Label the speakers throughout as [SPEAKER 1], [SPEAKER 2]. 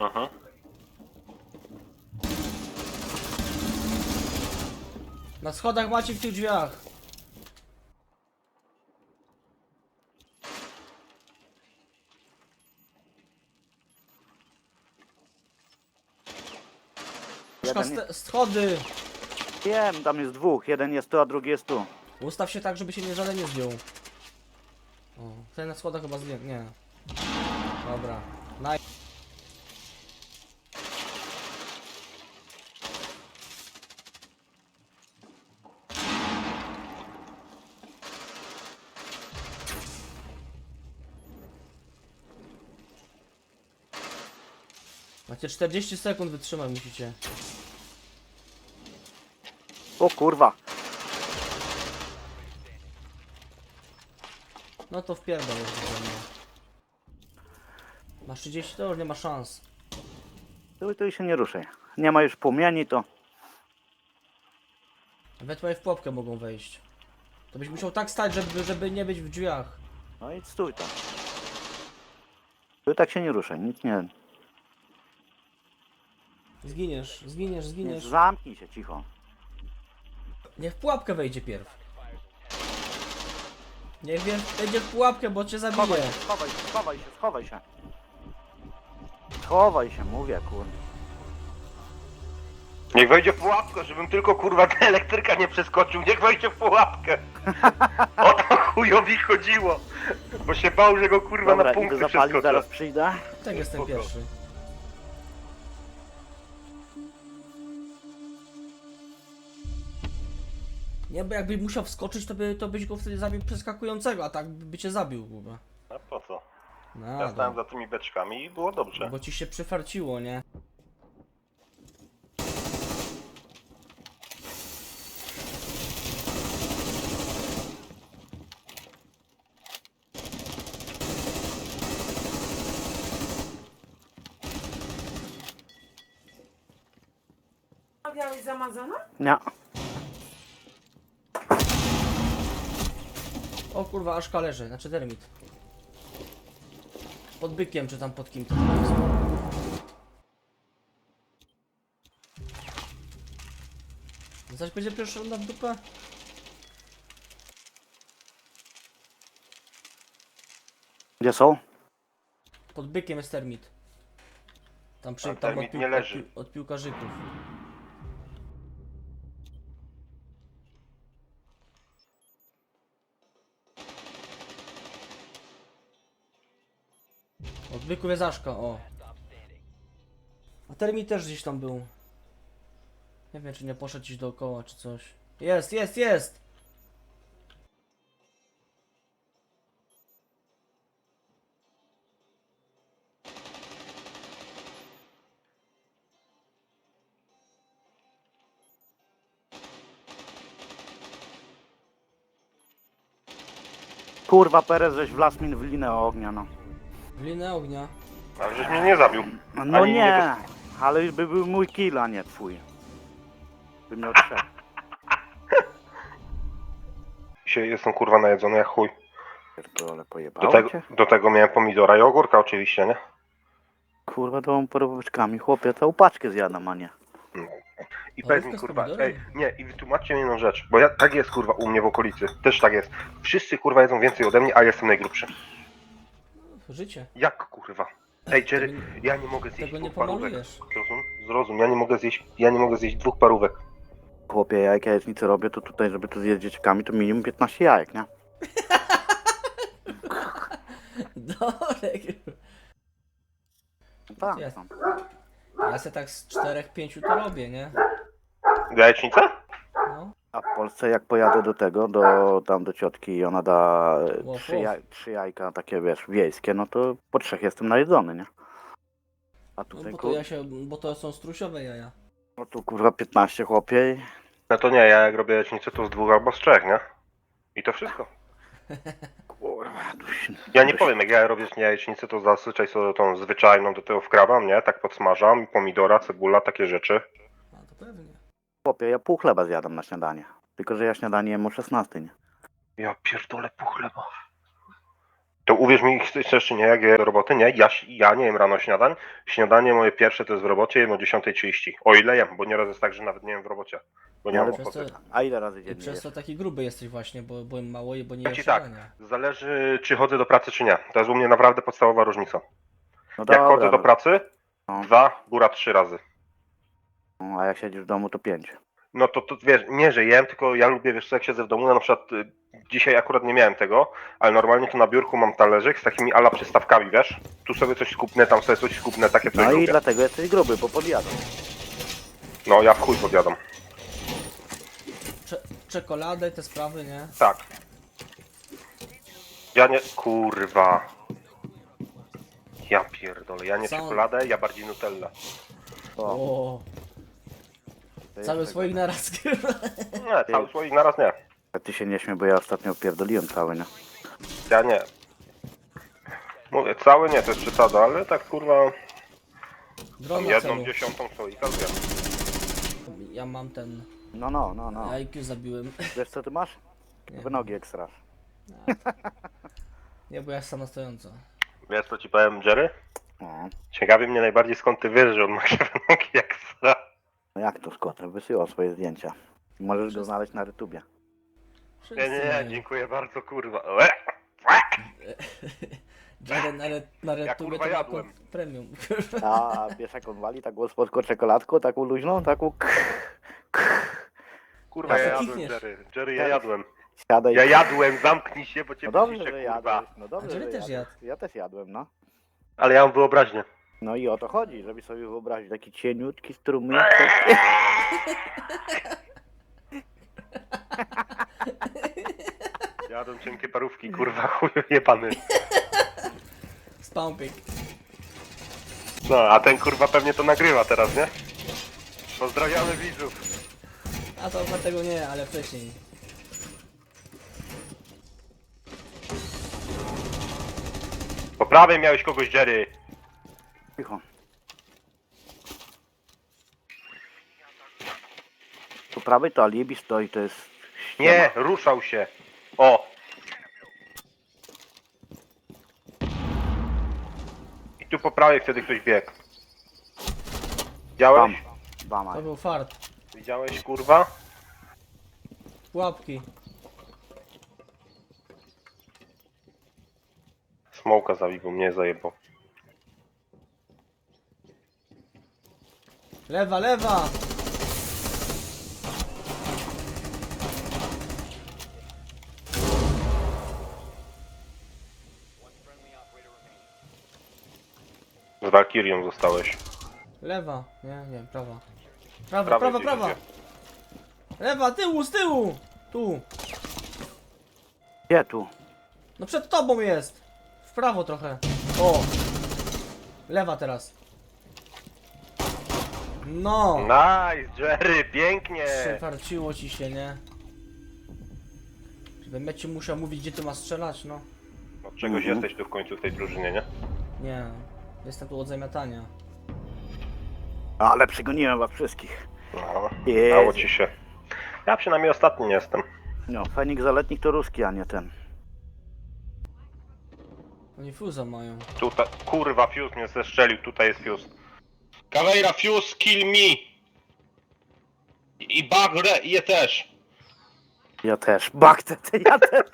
[SPEAKER 1] Aha.
[SPEAKER 2] Na schodach macie w tych drzwiach. Schody!
[SPEAKER 3] Wiem, tam jest dwóch. Jeden jest tu, a drugi jest tu.
[SPEAKER 2] Ustaw się tak, żeby się nie żaden nie zdjął. O, ten na schodach chyba zdję. Nie. Dobra. Macie 40 sekund wytrzymać musicie.
[SPEAKER 3] O kurwa.
[SPEAKER 2] No to wpierdol już do mnie. Masz 30, to już nie ma szans.
[SPEAKER 3] Tu się nie ruszaj. Nie ma już płomieni, to...
[SPEAKER 2] Ewentualnie w pułapkę mogą wejść. To byś musiał tak stać, żeby nie być w drzwiach.
[SPEAKER 3] No i stój tam. Tu tak się nie ruszaj, nic nie...
[SPEAKER 2] Zginiesz, zginiesz,
[SPEAKER 3] nie
[SPEAKER 2] zginiesz.
[SPEAKER 3] zamknij się, cicho.
[SPEAKER 2] Niech w pułapkę wejdzie pierw. Niech wejdzie w pułapkę, bo cię zabije.
[SPEAKER 3] Schowaj się, schowaj się, schowaj się. Schowaj się, mówię, kurwa.
[SPEAKER 1] Niech wejdzie w pułapkę, żebym tylko kurwa ta elektryka nie przeskoczył. Niech wejdzie w pułapkę. O to chujowi chodziło. Bo się bał, że go kurwa
[SPEAKER 3] Dobra,
[SPEAKER 1] na
[SPEAKER 3] idę
[SPEAKER 1] punkty
[SPEAKER 3] zapalić,
[SPEAKER 1] przeskoczę.
[SPEAKER 3] zaraz przyjdę.
[SPEAKER 2] Tak jestem
[SPEAKER 1] Spoko.
[SPEAKER 2] pierwszy. Nie, bo jakby musiał wskoczyć, to byś go wtedy zabił przeskakującego, a tak by cię zabił, kurwa.
[SPEAKER 1] A po co?
[SPEAKER 2] No,
[SPEAKER 1] Ja stałem za tymi beczkami i było dobrze.
[SPEAKER 2] bo ci się przyfarciło, nie?
[SPEAKER 4] Miałeś zamazane?
[SPEAKER 3] Nie.
[SPEAKER 2] O kurwa, aż leży, znaczy termit. Pod bykiem, czy tam pod kim to jest. Zaś będzie pierwszy runda w dupę?
[SPEAKER 3] Gdzie są?
[SPEAKER 2] Pod bykiem jest termit. Tam
[SPEAKER 1] A termit nie leży.
[SPEAKER 2] Od piłkarzyków. Od byków jest Aszka, o. A termit też gdzieś tam był. Nie wiem, czy nie poszedł gdzieś dookoła, czy coś. Jest, jest, jest!
[SPEAKER 3] Kurwa, Perez, żeś wlazł mi w linę ognia, no.
[SPEAKER 2] W linę ognia.
[SPEAKER 1] Ale żeś mnie nie zabił.
[SPEAKER 3] No
[SPEAKER 1] Ani
[SPEAKER 3] nie, ale już by był mój kill, a nie twój. By miał trzech.
[SPEAKER 1] Dzisiaj jestem kurwa najedzony jak chuj.
[SPEAKER 3] Pierdolę, pojebało cię?
[SPEAKER 1] Do tego miałem pomidora i ogórka oczywiście, nie?
[SPEAKER 3] Kurwa, tą porobeczkami, chłopie, całą paczkę zjadam, a nie.
[SPEAKER 1] I powiedz mi
[SPEAKER 2] Ogórka z
[SPEAKER 1] kurwa,
[SPEAKER 2] pomidorem?
[SPEAKER 1] nie, i wytłumaczcie mi jedną rzecz, bo tak jest kurwa u mnie w okolicy, też tak jest. Wszyscy kurwa jedzą więcej ode mnie, a jestem najgrubszy.
[SPEAKER 2] Życie.
[SPEAKER 1] Jak kurwa? Ej Jerry, ja nie mogę zjeść
[SPEAKER 2] Tego nie
[SPEAKER 1] dwóch parówek.
[SPEAKER 2] pomalujesz.
[SPEAKER 1] Zrozum, ja nie mogę zjeść 2 parówek.
[SPEAKER 3] Chłopie, ja jak jajecznicę robię, to tutaj, żeby to zjeść dzieciakami, to minimum 15 jajek, nie?
[SPEAKER 2] Dorek.
[SPEAKER 3] Tak,
[SPEAKER 2] Jest.
[SPEAKER 3] tam.
[SPEAKER 2] Ja se tak z 4-5 to robię, nie?
[SPEAKER 1] Jajecznicę?
[SPEAKER 2] No.
[SPEAKER 3] A w Polsce jak pojadę do tego, tam do ciotki i ona da
[SPEAKER 2] Łof,
[SPEAKER 3] trzy jajka takie, wiesz, wiejskie, no to po 3 jestem najedzony, nie? A
[SPEAKER 2] No
[SPEAKER 3] tutaj,
[SPEAKER 2] bo to są strusiowe jaja.
[SPEAKER 3] no tu kurwa 15 chłopie i...
[SPEAKER 1] No to nie, ja jak robię jajecznicę to z 2 albo z 3, nie? I to wszystko.
[SPEAKER 3] Kurwa, tu się...
[SPEAKER 1] Ja nie powiem, jak ja robię jajecznicę, to zazwyczaj sobie tą zwyczajną do tego wkradam, nie? Tak podsmażam, pomidora, cebula, takie rzeczy.
[SPEAKER 2] A to pewnie.
[SPEAKER 3] Chłopie, ja pół chleba zjadam na śniadanie. Tylko, że ja śniadanie jem o 16, nie?
[SPEAKER 1] Ja pierdolę pół chleba. To uwierz mi, chcesz czy nie, jak je do roboty, nie? Ja nie jem rano śniadań. Śniadanie moje pierwsze to jest w robocie, jem o 10:30. O ile jem, bo nieraz jest tak, że nawet nie jem w robocie. Bo nie
[SPEAKER 3] Ale
[SPEAKER 1] mam
[SPEAKER 2] Przez to,
[SPEAKER 1] ochoty.
[SPEAKER 3] A ile razy
[SPEAKER 2] I
[SPEAKER 3] dziennie
[SPEAKER 2] przez
[SPEAKER 3] jesz?
[SPEAKER 2] to taki gruby jesteś właśnie, bo mało je, bo nie
[SPEAKER 1] Powiem
[SPEAKER 2] jesz
[SPEAKER 1] ci tak,
[SPEAKER 2] śniadania.
[SPEAKER 1] zależy czy chodzę do pracy czy nie. To jest u mnie naprawdę podstawowa różnica.
[SPEAKER 3] No
[SPEAKER 1] Jak
[SPEAKER 3] dobra,
[SPEAKER 1] chodzę do pracy,
[SPEAKER 3] no.
[SPEAKER 1] 2, góra 3 razy.
[SPEAKER 3] No, a jak siedzisz w domu, to 5.
[SPEAKER 1] No to wiesz, nie że jem, tylko ja lubię, wiesz co, jak siedzę w domu, na przykład dzisiaj akurat nie miałem tego, ale normalnie to na biurku mam talerzyk z takimi ala przystawkami, wiesz? Tu sobie coś skupnę, tam sobie coś skupnę, takie coś
[SPEAKER 3] No i
[SPEAKER 1] lubię.
[SPEAKER 3] dlatego jesteś gruby, bo podjadasz.
[SPEAKER 1] No ja w chuj podjadam.
[SPEAKER 2] Czekoladę i te sprawy, nie?
[SPEAKER 1] Tak. Ja nie... Kurwa. Ja pierdolę, ja nie
[SPEAKER 2] Co?
[SPEAKER 1] czekoladę, ja bardziej Nutella.
[SPEAKER 3] O,
[SPEAKER 2] O,
[SPEAKER 3] to jest
[SPEAKER 2] cały
[SPEAKER 3] tego.
[SPEAKER 2] swoich naraz.
[SPEAKER 1] Nie, cały słoik naraz nie.
[SPEAKER 3] A ty się nie śmiej, bo ja ostatnio pierdoliłem cały, nie?
[SPEAKER 1] Ja nie. Mówię, cały nie, to jest przesada, ale tak kurwa... Tam
[SPEAKER 2] Drona
[SPEAKER 1] jedną
[SPEAKER 2] celu.
[SPEAKER 1] dziesiątą słoika zjem.
[SPEAKER 2] Ja mam ten...
[SPEAKER 3] No.
[SPEAKER 2] IQ zabiłem.
[SPEAKER 3] Wiesz co ty masz?
[SPEAKER 2] Nie.
[SPEAKER 3] W nogi ekstra.
[SPEAKER 2] Nie, bo ja jestem na stojąco.
[SPEAKER 1] Wiesz co ci powiem, Jerry?
[SPEAKER 3] O,
[SPEAKER 1] Ciekawi mnie najbardziej skąd ty wiesz, że on ma krzywe nogi jak sra.
[SPEAKER 3] no jak to Scott? Wysyłał swoje zdjęcia. Możesz go znaleźć na YouTubie.
[SPEAKER 2] Wszyscy
[SPEAKER 1] Nie,
[SPEAKER 2] mają.
[SPEAKER 1] dziękuję bardzo, kurwa.
[SPEAKER 2] Jaden na
[SPEAKER 1] Ja,
[SPEAKER 2] retubie
[SPEAKER 1] kurwa,
[SPEAKER 2] to ma
[SPEAKER 1] jadłem.
[SPEAKER 2] premium.
[SPEAKER 3] A wiesz jak on wali taką słodką czekoladką, taką luźną, taką
[SPEAKER 1] Kurwa, ja
[SPEAKER 2] Ja
[SPEAKER 1] jadłem,
[SPEAKER 2] kichniesz.
[SPEAKER 1] Jerry. Jerry, ja jadłem.
[SPEAKER 3] siadaj.
[SPEAKER 1] Ja jadłem, zamknij się, bo cię
[SPEAKER 3] No dobrze,
[SPEAKER 1] wyciszę,
[SPEAKER 3] że
[SPEAKER 1] kurwa.
[SPEAKER 3] jadłeś. No dobrze,
[SPEAKER 2] A Jerry
[SPEAKER 3] że
[SPEAKER 2] też
[SPEAKER 3] jadłeś.
[SPEAKER 2] jadł.
[SPEAKER 3] Ja też jadłem, no.
[SPEAKER 1] Ale ja mam wyobraźnię.
[SPEAKER 3] No i o to chodzi, żeby sobie wyobrazić taki cieniutki strumyk.
[SPEAKER 1] Jadłem cienkie parówki, kurwa, chuju jebany.
[SPEAKER 2] Spampik.
[SPEAKER 1] No, a ten kurwa pewnie to nagrywa teraz, nie? Pozdrawiamy widzów.
[SPEAKER 2] A to dlatego nie, ale wcześniej.
[SPEAKER 1] Po prawej miałeś kogoś, Jerry.
[SPEAKER 3] Cicho. Po prawej to alibi stoi, to jest ściema.
[SPEAKER 1] Nie, ruszał się. O! I tu po prawej wtedy ktoś biegł.
[SPEAKER 3] Tam.
[SPEAKER 1] Widziałeś?
[SPEAKER 3] Bama.
[SPEAKER 2] To był fart.
[SPEAKER 1] Widziałeś, kurwa?
[SPEAKER 2] Pułapki.
[SPEAKER 1] Smoka zabił, mnie zajebał.
[SPEAKER 2] Lewa, lewa!
[SPEAKER 1] Z Valkyrią zostałeś.
[SPEAKER 2] Lewa. Nie, prawa. Prawa,
[SPEAKER 1] Prawej
[SPEAKER 2] prawa,
[SPEAKER 1] gdzieś
[SPEAKER 2] prawa.
[SPEAKER 1] idzie.
[SPEAKER 2] Lewa, tyłu, z tyłu! Tu.
[SPEAKER 3] Gdzie tu?
[SPEAKER 2] No przed tobą jest. W prawo trochę. O. Lewa teraz. No.
[SPEAKER 1] Nice, Jerry, pięknie!
[SPEAKER 2] Przefarciło ci się, nie? Żebym ja ci musiał mówić, gdzie ty masz strzelać, no.
[SPEAKER 1] Od czegoś
[SPEAKER 3] Mhm.
[SPEAKER 1] jesteś tu w końcu w tej drużynie, nie?
[SPEAKER 2] Nie. Jestem tu od zamiatania.
[SPEAKER 3] Ale przegoniłem was wszystkich.
[SPEAKER 1] No,
[SPEAKER 3] Jezu.
[SPEAKER 1] dało ci się. Ja przynajmniej ostatni nie jestem.
[SPEAKER 3] No, Feniks Zaletnik to ruski, a nie ten.
[SPEAKER 2] Oni fuza mają.
[SPEAKER 1] Tutaj, kurwa, Fuse mnie zestrzelił, tutaj jest Fuse. Caveira, Fuse, kill me! I Bagre, je też.
[SPEAKER 3] Ja też. Bakte, ja też.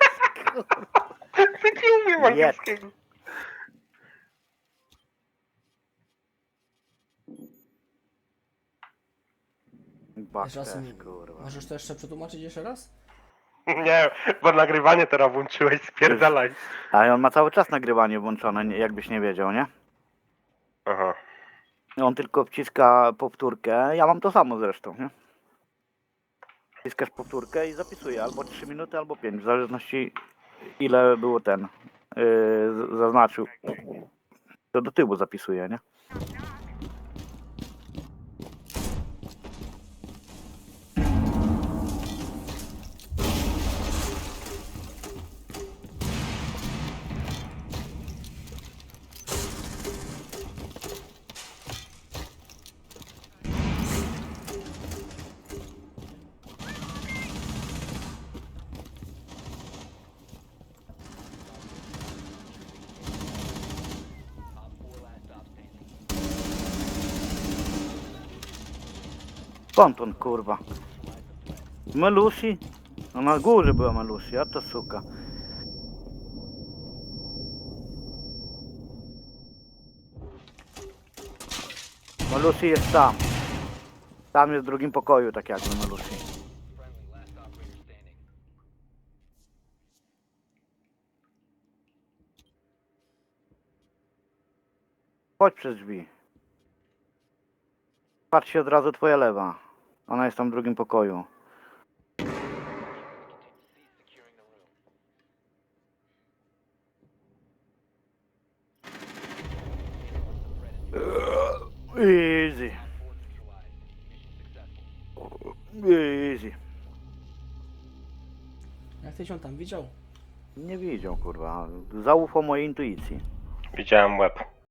[SPEAKER 1] Nie umiem
[SPEAKER 3] Nie.
[SPEAKER 1] angielskiego.
[SPEAKER 3] Bakte,
[SPEAKER 2] Jeszcze raz,
[SPEAKER 3] kurwa.
[SPEAKER 2] możesz to jeszcze przetłumaczyć jeszcze raz?
[SPEAKER 1] Nie, bo nagrywanie teraz włączyłeś, spierdalaj.
[SPEAKER 3] Ale on ma cały czas nagrywanie włączone, jakbyś nie wiedział, nie?
[SPEAKER 1] Aha.
[SPEAKER 3] On tylko wciska powtórkę. Ja mam to samo zresztą, nie? Wciskasz powtórkę i zapisuje albo 3 minuty, albo 5, w zależności ile było ten zaznaczył. To do tyłu zapisuje, nie? Skąd on, kurwa? Melusi? No na górze była Melusi, a to suka. Melusi jest tam. Tam jest w drugim pokoju, tak jakby Melusi. Chodź przez drzwi. Patrz się od razu twoja lewa. Ona jest tam w drugim pokoju. Easy. Easy.
[SPEAKER 2] Jak tyś on tam widział?
[SPEAKER 3] Nie widział, kurwa. Zaufał mojej intuicji.
[SPEAKER 1] Widziałem łeb.